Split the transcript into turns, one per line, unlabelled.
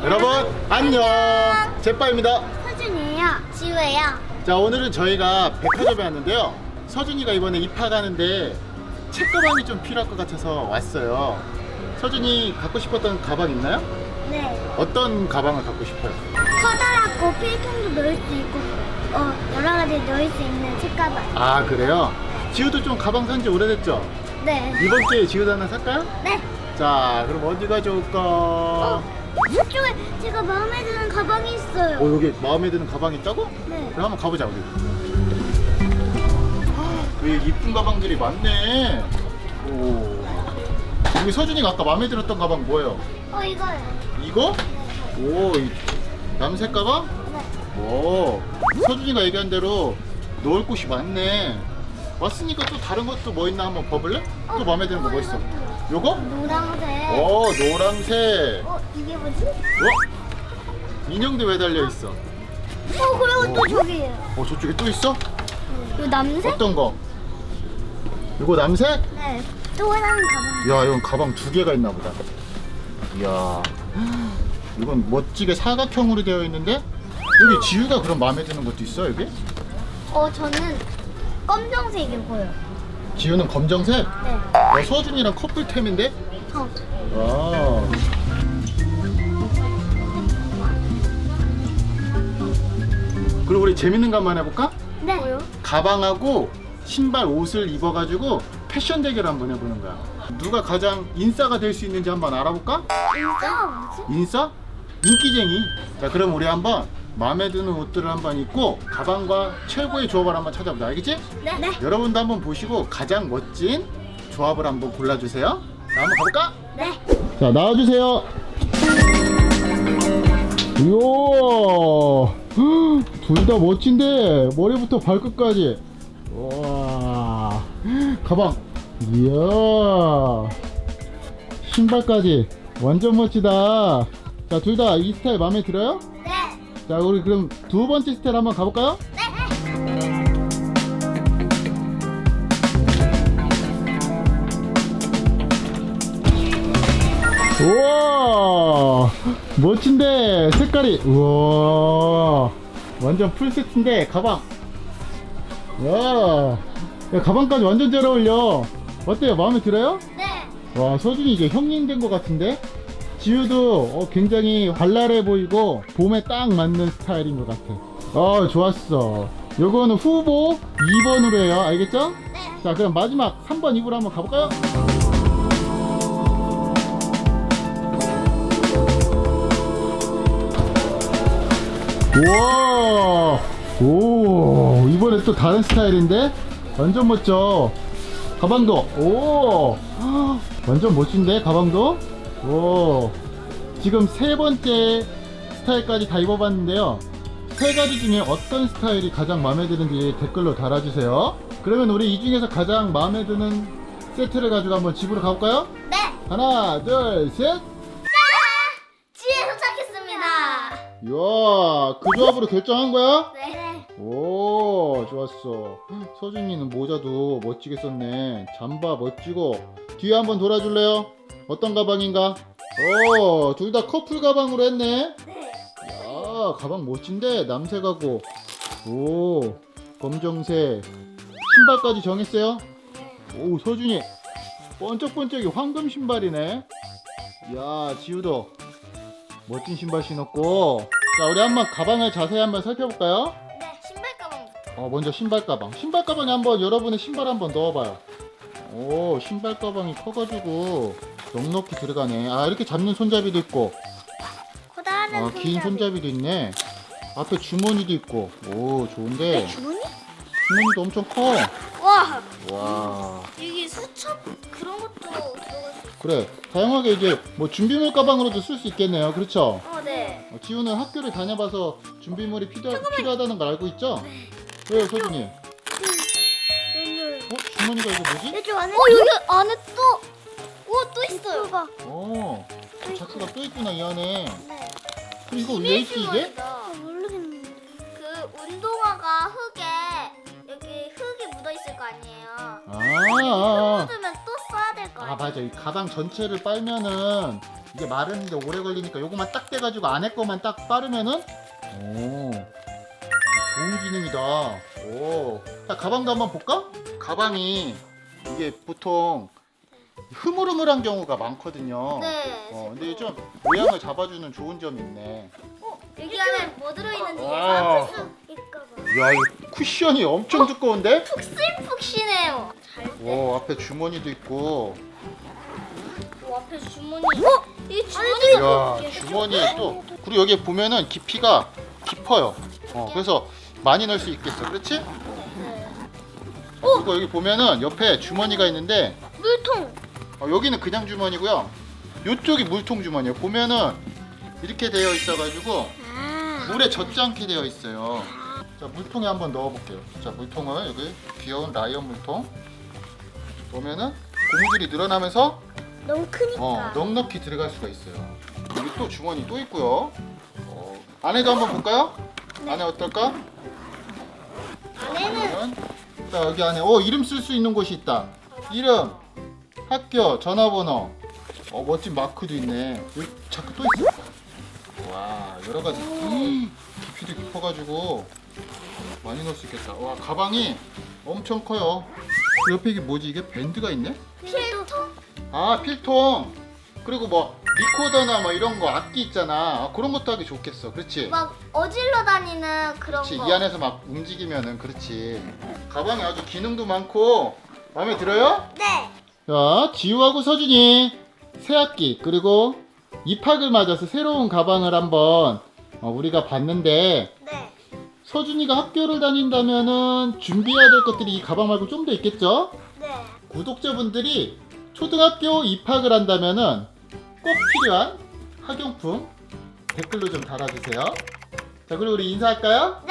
여러분 안녕. 제빠입니다.
서준이에요. 지우예요.
자, 오늘은 저희가 백화점에 왔는데요. 서준이가 이번에 입학하는데 책가방이 좀 필요할 것 같아서 왔어요. 서준이 갖고 싶었던 가방 있나요?
네.
어떤 가방을 갖고 싶어요?
커다랗고 필통도 넣을 수 있고 여러 가지 넣을 수 있는 책가방.
아, 그래요? 지우도 좀 가방 산지 오래됐죠?
네.
이번 기회에 지우도 하나 살까요?
네.
자, 그럼 어디가 좋을까?
저쪽에 제가 마음에 드는 가방이 있어요.
여기 마음에 드는 가방이 있다고?
네.
그럼 한번 가보자, 우리. 여기 이쁜 가방들이 많네. 오. 여기 서준이가 아까 마음에 들었던 가방 뭐예요?
이거요.
이거? 오, 이 남색 가방?
네.
오. 서준이가 얘기한 대로 넣을 곳이 많네. 왔으니까 또 다른 것도 뭐 있나 한번 봐볼래? 또 마음에 드는 거 뭐 있어? 요거?
노란색.
오, 노란색.
이게 뭐지?
인형도 왜 달려 있어?
그리고 또 저기예요.
저쪽에 또 있어?
이 남색?
어떤 거? 이거 남색?
네. 또 다른 가방.
야, 이건 가방 두 개가 있나 보다. 이야, 이건 멋지게 사각형으로 되어 있는데 여기 지우가 그럼 마음에 드는 것도 있어 여기?
저는 검정색이고요.
지우는 검정색?
네.
서준이랑 커플템인데?
저.
와. 그리고 우리 재밌는 거 한번 해볼까?
네. 뭐요?
가방하고 신발 옷을 입어가지고 패션 대결 한번 해보는 거야. 누가 가장 인싸가 될 수 있는지 한번 알아볼까?
인싸가 뭐지?
인싸? 인기쟁이. 자, 그럼 우리 한번 마음에 드는 옷들을 한번 입고 가방과 최고의 조합을 한번 찾아보자. 알겠지?
네. 네.
여러분도 한번 보시고 가장 멋진 조합을 한번 골라주세요. 자, 한번 가볼까?
네.
자, 나와주세요. 이야, 둘 다 멋진데 머리부터 발끝까지. 와, 가방. 이야, 신발까지 완전 멋지다. 자, 둘 다 이 스타일 마음에 들어요?
네.
자, 우리 그럼 두 번째 스타일 한번 가볼까요? 우와, 멋진데 색깔이. 우와, 완전 풀 세트인데 가방. 야, 가방까지 완전 잘 어울려. 어때요? 마음에 들어요?
네.
와, 서준이 이제 형님 된 것 같은데? 지우도 굉장히 발랄해 보이고 봄에 딱 맞는 스타일인 것 같아. 좋았어. 요거는 후보 2번으로 해요. 알겠죠?
네.
자, 그럼 마지막 3번 입으로 한번 가볼까요? 우와, 오, 이번에 또 다른 스타일인데 완전 멋져. 가방도 오, 완전 멋진데 가방도. 오, 지금 세 번째 스타일까지 다 입어봤는데요. 세 가지 중에 어떤 스타일이 가장 마음에 드는지 댓글로 달아주세요. 그러면 우리 이 중에서 가장 마음에 드는 세트를 가지고 한번 집으로 가볼까요?
네.
하나, 둘, 셋.
집에 도착했습니다.
이야, 그 조합으로 결정한 거야?
네.
오, 좋았어. 서준이는 모자도 멋지게 썼네. 잠바 멋지고. 뒤에 한번 돌아줄래요? 어떤 가방인가? 오, 둘 다 커플 가방으로 했네.
네.
야, 가방 멋진데 남색하고. 오, 검정색. 신발까지 정했어요? 오, 서준이 번쩍번쩍이 황금 신발이네. 야, 지우도 멋진 신발 신었고. 자, 우리 한번 가방을 자세히 한번 살펴볼까요?
네. 신발 가방부터.
먼저 신발 가방. 신발 가방에 한번 여러분의 신발 한번 넣어봐요. 오, 신발 가방이 커가지고 넉넉히 들어가네. 이렇게 잡는 손잡이도 있고,
커다란
긴 손잡이도 있네. 앞에 주머니도 있고. 오, 좋은데.
주머니?
주머니도 엄청 커.
와.
와,
여기 수첩 그런 것도 들어갈 수 있어.
그래. 다양하게 이제 뭐 준비물 가방으로도 쓸 수 있겠네요. 그렇죠?
네.
지우는 학교를 다녀봐서 준비물이 필요하다는 걸 알고 있죠? 왜요, 서준이? 주머니가 이거 뭐지?
여기 안에. 여기 안에 또. 또 있어요.
자크가 또 있구나, 이 안에.
네.
그럼 이거 왜 있지, 이게?
모르겠는데. 그 운동화가 여기 흙이 묻어 있을 거 아니에요. 흙 묻으면 또 써야 될 거 아니에요.
맞아. 이 가방 전체를 빨면은 이게 마르는데 오래 걸리니까 요거만 딱 떼가지고 안에 거만 딱 빠르면은 오 좋은 기능이다. 오, 자 가방도 한번 볼까? 가방이 이게 보통 흐물흐물한 경우가 많거든요.
네.
근데 좀 모양을 잡아주는 좋은 점이 있네.
여기 안에 뭐 들어있는지
와.
풀 수 있을까 봐.
야, 이 쿠션이 엄청 두꺼운데?
푹신푹신해요. 잘 돼.
오, 앞에 주머니도 있고.
앞에 주머니. 이 주머니가
이야, 주머니에 또 그리고 여기 보면은 깊이가 깊어요. 그래서 많이 넣을 수 있겠어. 그렇지?
네.
그리고 여기 보면은 옆에 주머니가 있는데
물통.
여기는 그냥 주머니고요. 이쪽이 물통 주머니예요. 보면은 이렇게 되어 있어가지고 물에 젖지 않게 되어 있어요. 자, 물통에 한번 넣어볼게요. 자, 물통을 여기 귀여운 라이언 물통 보면은 고무줄이 늘어나면서
너무 크니까.
넉넉히 들어갈 수가 있어요. 여기 또 주머니 또 있고요. 안에도 한번 볼까요?
네.
안에 어떨까?
안에는
자, 여기 안에 이름 쓸 수 있는 곳이 있다. 이름, 학교, 전화번호. 멋진 마크도 있네. 여기 자꾸 또 있어. 와, 여러 가지. 깊이도 깊어가지고 많이 넣을 수 있겠다. 와, 가방이 엄청 커요. 그 옆에 이게 뭐지? 이게 밴드가 있네?
필통.
아, 필통. 그리고 뭐 리코더나 뭐 이런 거 악기 있잖아. 그런 것도 하기 좋겠어. 그렇지?
막 어질러 다니는 그런
그렇지.
거.
이 안에서 막 움직이면은 그렇지. 가방에 아주 기능도 많고 마음에 들어요?
네.
자, 지우하고 서준이 새 학기 그리고 입학을 맞아서 새로운 가방을 한번 우리가 봤는데
네.
서준이가 학교를 다닌다면은 준비해야 될 것들이 이 가방 말고 좀 더 있겠죠?
네.
구독자분들이 초등학교 입학을 한다면은 꼭 필요한 학용품 댓글로 좀 달아주세요. 자, 그리고 우리 인사할까요?